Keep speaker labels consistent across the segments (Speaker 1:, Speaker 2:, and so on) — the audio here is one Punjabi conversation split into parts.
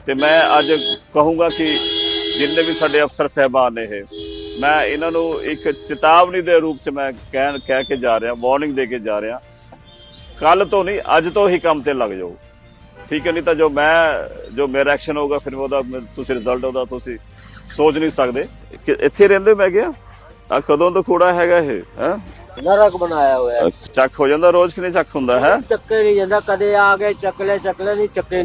Speaker 1: ਤੇ ਮੈਂ ਅੱਜ ਕਹੂੰਗਾ ਕਿ ਜਿੰਨੇ ਵੀ ਸਾਡੇ ਅਫਸਰ ਸਾਹਿਬਾਨ ਨੇ ਮੈਂ ਇਹਨਾਂ ਨੂੰ ਇੱਕ ਚੇਤਾਵਨੀ ਦੇ ਰੂਪ 'ਚ ਮੈਂ ਕਹਿ ਕੇ ਜਾ ਰਿਹਾ, ਵਾਰਨਿੰਗ ਦੇ ਕੇ ਜਾ ਰਿਹਾ, ਕੱਲ ਤੋਂ ਨਹੀਂ ਅੱਜ ਤੋਂ ਹੀ ਕੰਮ ਤੇ ਲੱਗ ਜਾਓ, ਠੀਕ ਹੈ। ਨਹੀਂ ਤਾਂ ਜੋ ਮੇਰਾ ਐਕਸ਼ਨ ਹੋਊਗਾ ਫਿਰ ਉਹਦਾ ਤੁਸੀਂ ਰਿਜ਼ਲਟ ਉਹਦਾ ਤੁਸੀਂ ਸੋਚ ਨਹੀਂ ਸਕਦੇ। ਇੱਥੇ ਰਹਿੰਦੇ ਮੈਂ ਗਿਆ ਆ ਕਦੋਂ ਤੋਂ ਕੂੜਾ ਹੈਗਾ ਇਹ ਹੈ
Speaker 2: ਨਰਕ ਬਣਾਇਆ ਹੋਇਆ।
Speaker 1: ਚੱਕ ਹੋ ਜਾਂਦਾ ਰੋਜ਼ ਕਿਨੇ ਚੱਕ ਹੁੰਦਾ ਹੈ?
Speaker 2: ਚੱਕੇ ਨਹੀਂ ਜਾਂਦਾ, ਕਦੇ ਆ ਕੇ ਚੱਕਲੇ ਨਹੀਂ ਚੱਕੇ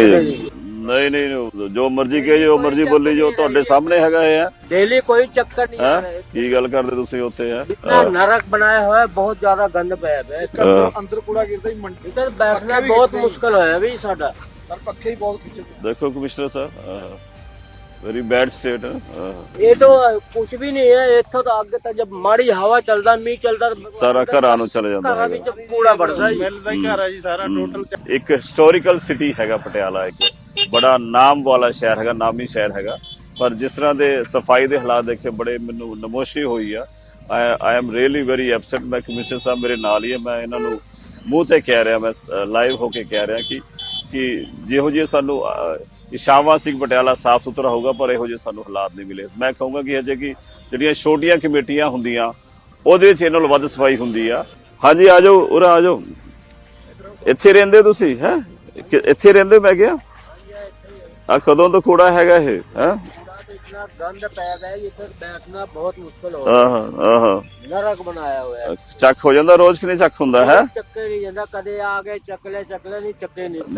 Speaker 1: ਨਹੀਂ ਜੋ ਮਰਜ਼ੀ ਕਹੇ ਜੋ ਮਰਜ਼ੀ ਬੋਲੀ ਜੋ ਤੁਹਾਡੇ ਸਾਹਮਣੇ ਹੈਗਾ ਇਹ ਹੈ।
Speaker 2: डेली कोई चक्कर नहीं आ रहा है।
Speaker 1: ਕੀ ਗੱਲ ਕਰਦੇ ਤੁਸੀਂ ਉੱਥੇ ਹੈ?
Speaker 2: इतना नरक बनाया हुआ है, बहुत ज्यादा गंद पाया है।
Speaker 3: अंदर कूड़ा गिरता ही मंडी
Speaker 2: इधर बैठना बहुत मुश्किल है अभी साडा।
Speaker 3: पर पक्के ही बहुत खींचे।
Speaker 1: देखो कमिश्नर साहब वेरी बैड स्टेट है।
Speaker 2: ये तो कुछ भी नहीं है, इतो तो आगे तक जब माड़ी हवा चलता मीह चलता
Speaker 1: ਸਾਰਾ ਘਰਾਂ ਨੂੰ ਚਲੇ ਜਾਂਦਾ
Speaker 2: ਘਰਾਂ ਵਿੱਚ ਕੂੜਾ ਵੜਦਾ ਜੀ।
Speaker 3: मिलता ही घर है जी सारा टोटल।
Speaker 1: ਇੱਕ ਹਿਸਟੋਰੀਕਲ ਸਿਟੀ ਹੈਗਾ ਪਟਿਆਲਾ, ਇੱਕ ਬੜਾ ਨਾਮ ਵਾਲਾ ਸ਼ਹਿਰ ਹੈਗਾ, ਨਾਮੀ ਸ਼ਹਿਰ ਹੈਗਾ, ਪਰ ਜਿਸ ਤਰ੍ਹਾਂ ਦੇ ਸਫਾਈ ਦੇ ਹਾਲਾਤ ਦੇਖੇ ਬੜੇ ਮੈਨੂੰ ਨਮੋਸ਼ੀ ਹੋਈ ਆ। I am really very upset. ਮੈਂ ਕਮਿਸ਼ਨਰ ਸਾਹਿਬ ਮੇਰੇ ਨਾਲ ਹੀ ਹੈ, ਮੈਂ ਇਹਨਾਂ ਨੂੰ ਮੂੰਹ ਤੇ ਕਹਿ ਰਿਹਾ, ਮੈਂ ਲਾਈਵ ਹੋ ਕੇ ਕਹਿ ਰਿਹਾ ਕਿ ਜਿਹੋ ਜਿਹੇ ਸਾਨੂੰ ਇਸ਼ਾਵਾ ਸਿੰਘ ਪਟਿਆਲਾ ਸਾਫ ਸੁਥਰਾ ਹੋਊਗਾ, ਪਰ ਇਹੋ ਜਿਹੇ ਸਾਨੂੰ ਹਾਲਾਤ ਨਹੀਂ ਮਿਲੇ। ਮੈਂ ਕਹੂੰਗਾ ਕਿ ਅਜੇ ਕਿ ਜਿਹੜੀਆਂ ਛੋਟੀਆਂ ਕਮੇਟੀਆਂ ਹੁੰਦੀਆਂ ਉਹਦੇ ਵਿੱਚ ਇਹਨਾਂ ਨਾਲ ਵੱਧ ਸਫਾਈ ਹੁੰਦੀ ਆ। ਹਾਂਜੀ ਆ ਜਾਓ, ਉਰਾ ਆ ਜਾਓ। ਇੱਥੇ ਰਹਿੰਦੇ ਤੁਸੀਂ ਹੈ? ਇੱਥੇ ਰਹਿੰਦੇ ਮੈਂ ਗਿਆ ਆ ਕਦੋਂ ਤੋਂ ਕੂੜਾ ਹੈਗਾ ਇਹ ਹੈ?
Speaker 2: इतना गंद पैदा है, इधर बैठना बहुत मुश्किल हो रहा है। नरक बनाया हुआ है।
Speaker 1: ਚੱਕ ਹੋ ਜਾਂਦਾ ਰੋਜ਼ ਕਿਨੇ ਚੱਕ ਹੁੰਦਾ ਹੈ?
Speaker 2: ਚੱਕੇ ਨਹੀਂ ਜਾਂਦਾ, ਕਦੇ ਆ ਕੇ ਚੱਕਲੇ ਨਹੀਂ ਚੱਕੇ ਨਹੀਂ।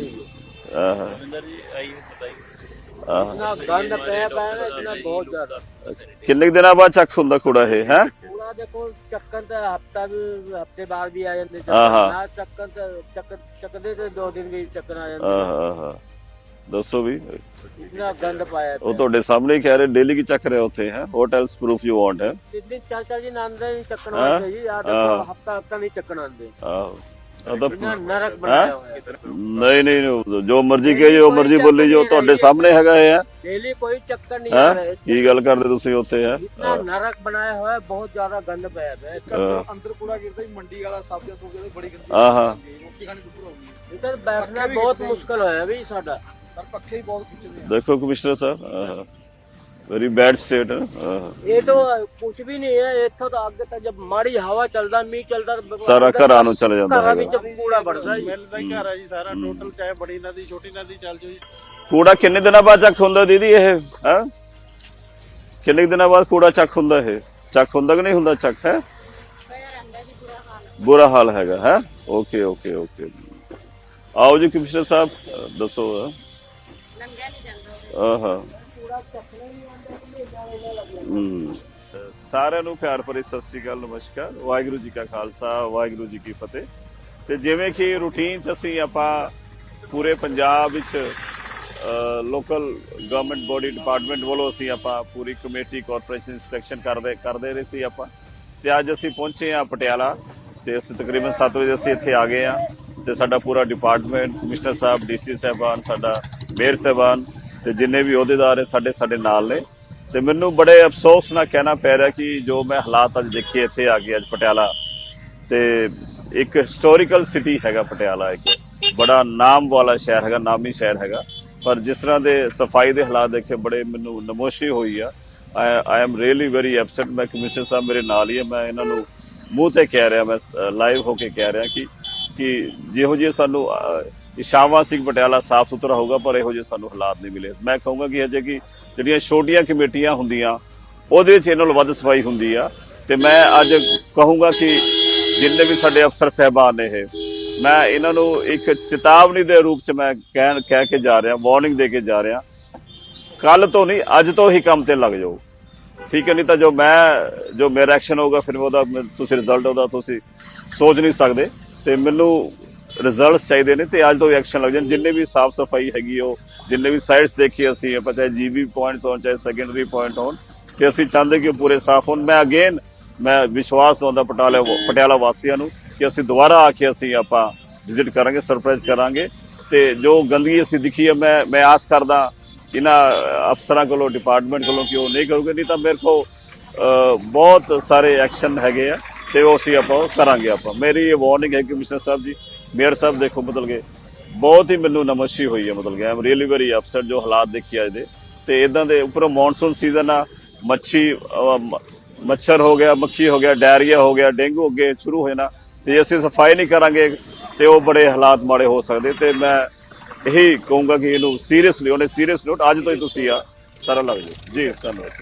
Speaker 2: इतना गंद पाया है, इतना बहुत ज्यादा।
Speaker 1: ਕਿੰਨੇ ਦਿਨਾਂ ਬਾਅਦ ਚੱਕ ਹੁੰਦਾ ਕੂੜਾ ਇਹ ਹੈ?
Speaker 2: कूड़ा देखो चक्कन तो हफ्ते बाद भी आ जाते, चक्कदे तो 2 दिन भी चक्कर आ जाते।
Speaker 1: ਦੱਸੋ ਵੀ
Speaker 2: इतना गंद पाया
Speaker 1: ਉਹ ਤੁਹਾਡੇ ਸਾਹਮਣੇ ਹੀ ਕਹਿ ਰਹੇ ਡੇਲੀ ਕੀ ਚੱਕ ਰਹੇ ਉੱਥੇ ਹੈ? ਹੋਟਲਸ ਪ੍ਰੂਫ ਯੂ ਵਾਂਟ ਹੈ?
Speaker 2: दिन 4 दिन आंदे नहीं चक्कन आते जी, यार हफ्ता नहीं चक्कन आते।
Speaker 1: ਆਹੋ ਤਾਂ
Speaker 2: इतना नरक बनाया हुआ है।
Speaker 1: ਨਹੀਂ ਜੋ ਮਰਜ਼ੀ ਕਹੇ ਜੋ ਮਰਜ਼ੀ ਬੋਲੀ ਜੋ ਤੁਹਾਡੇ ਸਾਹਮਣੇ ਹੈਗਾ ਇਹ ਹੈ।
Speaker 2: डेली कोई चक्कर नहीं आ रहा है।
Speaker 1: ਕੀ ਗੱਲ ਕਰਦੇ ਤੁਸੀਂ ਉੱਥੇ ਹੈ?
Speaker 2: इतना नरक बनाया हुआ है, बहुत ज्यादा गंद पाया है।
Speaker 3: अंदर कूड़ा गिरता ही मंडी वाला सब्जियां सुब्जियां बड़ी गंदी रोटी खानी दुभर हो गई।
Speaker 2: इधर बैठना बहुत मुश्किल है अभी साडा।
Speaker 3: पर पक्के ही बहुत खींचे।
Speaker 1: देखो कमिश्नर साहब वेरी बैड स्टेट है।
Speaker 2: ये तो कुछ भी नहीं है, इतो तो आगे तक जब माड़ी हवा चलता मीह चलता
Speaker 1: ਸਾਰਾ ਘਰਾਂ ਨੂੰ ਚਲੇ ਜਾਂਦਾ
Speaker 2: ਘਰਾਂ
Speaker 1: ਹੈ।
Speaker 2: ਵਿੱਚ ਕੂੜਾ ਵੜਦਾ ਜੀ।
Speaker 3: मिलता ही घर है जी सारा टोटल, चाहे बड़ी नदी छोटी नदी चल जो जी।
Speaker 1: ਕੂੜਾ ਕਿੰਨੇ ਦਿਨਾਂ ਬਾਅਦ ਚੱਕ ਹੁੰਦਾ ਦੀਦੀ ਇਹ ਹੈ? ਕਿੰਨੇ ਦਿਨਾਂ ਬਾਅਦ ਕੂੜਾ ਚੱਕ ਹੁੰਦਾ ਇਹ? ਚੱਕ ਹੁੰਦਾ ਕਿ ਨਹੀਂ ਹੁੰਦਾ ਚੱਕ ਹੈ? ਬੁਰਾ ਹਾਲ ਹੈਗਾ ਹੈ। ਓਕੇ ਓਕੇ ਓਕੇ ਆਓ ਜੀ ਕਮਿਸ਼ਨਰ ਸਾਹਿਬ ਦੱਸੋ। ਸਾਰਿਆਂ ਨੂੰ ਪਿਆਰ ਭਰੀ ਸਤਿ ਸ੍ਰੀ ਅਕਾਲ, ਨਮਸਕਾਰ, ਵਾਹਿਗੁਰੂ ਜੀ ਕਾ ਖਾਲਸਾ ਵਾਹਿਗੁਰੂ ਜੀ ਕੀ ਫਤਿਹ। ਤੇ ਜਿਵੇਂ ਕਿ ਰੂਟੀਨ ਚ ਅਸੀਂ ਆਪਾਂ ਪੂਰੇ ਪੰਜਾਬ ਵਿੱਚ ਲੋਕਲ ਗਵਰਨਮੈਂਟ ਬੋਡੀ ਡਿਪਾਰਟਮੈਂਟ ਵੱਲੋਂ ਅਸੀਂ ਆਪਾਂ ਪੂਰੀ ਕਮੇਟੀ ਕਾਰਪੋਰੇਸ਼ਨ ਇੰਸਪੈਕਸ਼ਨ ਕਰਦੇ ਰਹੇ ਸੀ ਆਪਾਂ। ਤੇ ਅੱਜ ਅਸੀਂ ਪਹੁੰਚੇ ਆ ਪਟਿਆਲਾ ਤੇ ਅਸੀਂ ਤਕਰੀਬਨ 7 ਵਜੇ ਅਸੀਂ ਇੱਥੇ ਆ ਗਏ ਆ ਤੇ ਸਾਡਾ ਪੂਰਾ ਡਿਪਾਰਟਮੈਂਟ, ਕਮਿਸ਼ਨਰ ਸਾਹਿਬ, ਡੀਸੀ ਸਾਹਿਬਾਨ, ਸਾਡਾ ਮੇਅਰ ਸਾਹਿਬਾਨ ਤੇ ਜਿੰਨੇ ਵੀ ਅਹੁਦੇਦਾਰ ਹੈ ਸਾਡੇ ਨਾਲ ਨੇ। ਤੇ ਮੈਨੂੰ ਬੜੇ ਅਫਸੋਸ ਨਾਲ ਕਹਿਣਾ ਪੈ ਰਿਹਾ ਕਿ ਜੋ ਮੈਂ ਹਾਲਾਤ ਅੱਜ ਦੇਖੇ ਇੱਥੇ ਆ ਕੇ ਅੱਜ ਪਟਿਆਲਾ, ਤੇ ਇੱਕ ਹਿਸਟੋਰੀਕਲ ਸਿਟੀ ਹੈਗਾ ਪਟਿਆਲਾ, ਇੱਕ ਬੜਾ ਨਾਮ ਵਾਲਾ ਸ਼ਹਿਰ ਹੈਗਾ, ਨਾਮੀ ਸ਼ਹਿਰ ਹੈਗਾ, ਪਰ ਜਿਸ ਤਰ੍ਹਾਂ ਦੇ ਸਫਾਈ ਦੇ ਹਾਲਾਤ ਦੇਖੇ ਬੜੇ ਮੈਨੂੰ ਨਮੋਸ਼ੀ ਹੋਈ ਆ। I am really very upset. ਮੈਂ ਕਮਿਸ਼ਨਰ ਸਾਹਿਬ ਮੇਰੇ ਨਾਲ ਹੀ ਹੈ, ਮੈਂ ਇਹਨਾਂ ਨੂੰ ਮੂੰਹ ਤੇ ਕਹਿ ਰਿਹਾ, ਮੈਂ ਲਾਈਵ ਹੋ ਕੇ ਕਹਿ ਰਿਹਾ ਕਿ ਜਿਹੋ ਜਿਹੇ ਸਾਨੂੰ ਇਸ਼ਾਵਾ ਸਿੰਘ ਪਟਿਆਲਾ ਸਾਫ ਸੁਥਰਾ ਹੋਊਗਾ, ਪਰ ਇਹੋ ਜਿਹੇ ਸਾਨੂੰ ਹਾਲਾਤ ਨਹੀਂ ਮਿਲੇ। ਮੈਂ ਕਹੂੰਗਾ ਕਿ ਅਜੇ ਕਿ ਜਿਹੜੀਆਂ ਛੋਟੀਆਂ ਕਮੇਟੀਆਂ ਹੁੰਦੀਆਂ ਉਹਦੇ ਵਿੱਚ ਇਹਨਾਂ ਨਾਲ ਵੱਧ ਸਫਾਈ ਹੁੰਦੀ ਆ। ਤੇ ਮੈਂ ਅੱਜ ਕਹੂੰਗਾ ਕਿ ਜਿੰਨੇ ਵੀ ਸਾਡੇ ਅਫਸਰ ਸਾਹਿਬਾਨ ਨੇ ਮੈਂ ਇਹਨਾਂ ਨੂੰ ਇੱਕ ਚੇਤਾਵਨੀ ਦੇ ਰੂਪ 'ਚ ਮੈਂ ਕਹਿ ਕੇ ਜਾ ਰਿਹਾ, ਵਾਰਨਿੰਗ ਦੇ ਕੇ ਜਾ ਰਿਹਾ, ਕੱਲ ਤੋਂ ਨਹੀਂ ਅੱਜ ਤੋਂ ਹੀ ਕੰਮ ਤੇ ਲੱਗ ਜਾਓ, ਠੀਕ ਹੈ। ਨਹੀਂ ਤਾਂ ਜੋ ਮੇਰਾ ਐਕਸ਼ਨ ਹੋਊਗਾ ਫਿਰ ਉਹਦਾ ਤੁਸੀਂ ਰਿਜ਼ਲਟ ਉਹਦਾ ਤੁਸੀਂ ਸੋਚ ਨਹੀਂ ਸਕਦੇ। ਤੇ ਮੈਨੂੰ ਰਿਜ਼ਲਟਸ ਚਾਹੀਦੇ ਨੇ ਤੇ ਅੱਜ ਤੋਂ ਐਕਸ਼ਨ ਲੱਗ ਜਾਣ। ਜਿੰਨੇ ਵੀ ਸਾਫ ਸਫਾਈ ਹੈਗੀ ਉਹ ਜਿੰਨੇ ਵੀ ਸਾਈਟਸ ਦੇਖੀ ਅਸੀਂ ਆਪਾਂ, ਚਾਹੇ ਜੀਬੀ ਪੁਆਇੰਟਸ ਹੋਣ ਚਾਹੇ ਸੈਕੰਡਰੀ ਪੁਆਇੰਟ ਹੋਣ, ਤੇ ਅਸੀਂ ਚਾਹੁੰਦੇ ਕਿ ਪੂਰੇ ਸਾਫ ਹੋਣ। ਮੈਂ ਵਿਸ਼ਵਾਸ ਦਵਾਉਂਦਾ ਪਟਿਆਲਾ ਵਾਸੀਆਂ ਨੂੰ ਕਿ ਅਸੀਂ ਦੁਬਾਰਾ ਆ ਕੇ ਅਸੀਂ ਆਪਾਂ ਵਿਜ਼ਿਟ ਕਰਾਂਗੇ, ਸਰਪ੍ਰਾਈਜ਼ ਕਰਾਂਗੇ। ਤੇ ਜੋ ਗੰਦਗੀ ਅਸੀਂ ਦਿਖੀ ਹੈ ਮੈਂ ਆਸ ਕਰਦਾ ਇਹਨਾਂ ਅਫਸਰਾਂ ਕੋਲੋਂ, ਡਿਪਾਰਟਮੈਂਟ ਕੋਲੋਂ ਕਿ ਉਹ ਨਹੀਂ ਕਰੂਗੇ। ਨਹੀਂ ਤਾਂ ਮੇਰੇ ਕੋਲ ਬਹੁਤ ਸਾਰੇ ਐਕਸ਼ਨ ਹੈਗੇ ਆ ਤੇ ਉਹ ਅਸੀਂ ਆਪਾਂ ਕਰਾਂਗੇ। ਮੇਰੀ ਇਹ ਵਾਰਨਿੰਗ ਹੈ ਕਮਿਸ਼ਨਰ ਸਾਹਿਬ ਜੀ, ਮੇਅਰ ਸਾਹਿਬ, ਦੇਖੋ ਬਦਲ ਗਏ ਬਹੁਤ ਹੀ ਮੈਨੂੰ ਨਮਸ਼ੀ ਹੋਈ ਹੈ, ਮਤਲਬ ਕਿ I am really very upset ਜੋ ਹਾਲਾਤ ਦੇਖੀ ਅੱਜ ਦੇ। ਤੇ ਇਦਾਂ ਦੇ ਉੱਪਰੋਂ ਮੌਨਸੂਨ ਸੀਜ਼ਨ ਆ, ਮੱਛਰ ਹੋ ਗਿਆ, ਮੱਖੀ ਹੋ ਗਿਆ, ਡਾਇਰੀਆ ਹੋ ਗਿਆ, ਡੇਂਗੂ ਅੱਗੇ ਸ਼ੁਰੂ ਹੋ ਜਾਣਾ। ਤੇ ਅਸੀਂ ਸਫਾਈ ਨਹੀਂ ਕਰਾਂਗੇ ਤੇ ਉਹ ਬੜੇ ਹਾਲਾਤ ਮਾੜੇ ਹੋ ਸਕਦੇ। ਤੇ ਮੈਂ ਇਹੀ ਕਹੂੰਗਾ ਕਿ ਇਹਨੂੰ ਸੀਰੀਅਸਲੀ, ਉਹਨੇ ਸੀਰੀਅਸ ਨੋਟ ਅੱਜ ਤੋਂ ਹੀ ਤੁਸੀਂ ਆ ਸਾਰਾ ਲੱਗ ਜਾਓ ਜੀ। ਧੰਨਵਾਦ।